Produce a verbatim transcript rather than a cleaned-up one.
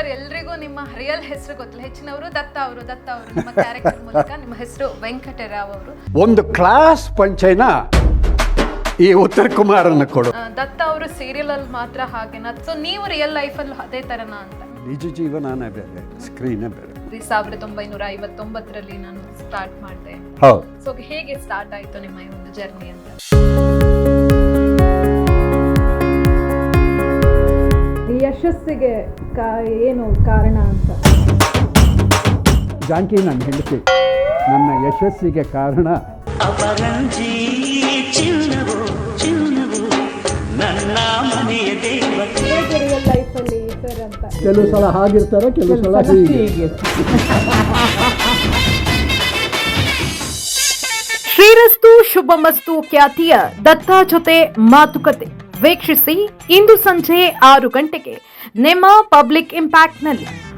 Sir ಎಲ್ರಿಗೂ ನಿಮ್ಮ real ಹೆಸರು ಗೊತ್ತಿಲ್ಲ, ಹೆಚ್ಚಿನವರು ದತ್ತ ಅವರು ದತ್ತ ಅವರು ನಿಮ್ಮ ಕ್ಯಾರೆಕ್ಟರ್ ಮೂಲಕ. ನಿಮ್ಮ ಹೆಸರು ವೆಂಕಟರಾವ್ ಅವರು. ಒಂದು ಕ್ಲಾಸ್ ಪಂಚೆನ ಈ ಉತ್ತರ ಕುಮಾರನ ಕೊಡು. ದತ್ತ ಅವರು ಸೀರಿಯಲ್ ಅಲ್ಲಿ ಮಾತ್ರ ಹಾಗೇನಾ, ಸೊ ನೀವು ರಿಯಲ್ ಲೈಫ್ ಅಲ್ಲಿ ಅದೇ ತರನಾ ಅಂತ? ನಿಜ ಜೀವನನೇ ಬೇರೆ, ಸ್ಕ್ರೀನೇ ಬೇರೆ. ಸಾವಿರದ ಒಂಬೈನೂರ ಐವತ್ತೊಂಬತ್ತರಲ್ಲಿ ನಾನು ಸ್ಟಾರ್ಟ್ ಮಾಡಿದೆ. ಹೌದು. ಸೊ ಹೇಗೆ ಸ್ಟಾರ್ಟ್ ಆಯ್ತು ನಿಮ್ಮ ಈ ಒಂದು ಜರ್ನಿ ಅಂತ? ಯಶಸ್ಸಿಗೆ ಏನು ಕಾರಣ ಅಂತ? ಜಾನಕಿ ನನ್ನ ಹೆಂಡತಿ, ನನ್ನ ಯಶಸ್ಸಿಗೆ ಕಾರಣ ಅಪರಂಜಿ ಚಿನ್ನವು ಚಿನ್ನವು ನನ್ನ ಮನೆಯ ದೇವತೆ. ಹೇಗೆ ರಿಯಲ್ ಲೈಫಲ್ಲಿ ಸರ್ ಅಂತ? ಕೆಲವು ಸಲ ಹಾಗಿರ್ತಾರೆ, ಕೆಲವು ಸಲ ಹೀಗೆ. ಶ್ರೀರಸ್ತು ಶುಭಮಸ್ತು ಖ್ಯಾತಿಯ ದತ್ತ ಜೊತೆ ಮಾತುಕತೆ ವೀಕ್ಷಿಸಿ ಇಂದು ಸಂಜೆ ಆರು ಗಂಟೆಗೆ ನಿಮ್ಮ ಪಬ್ಲಿಕ್ ಇಂಪ್ಯಾಕ್ಟ್ನಲ್ಲಿ.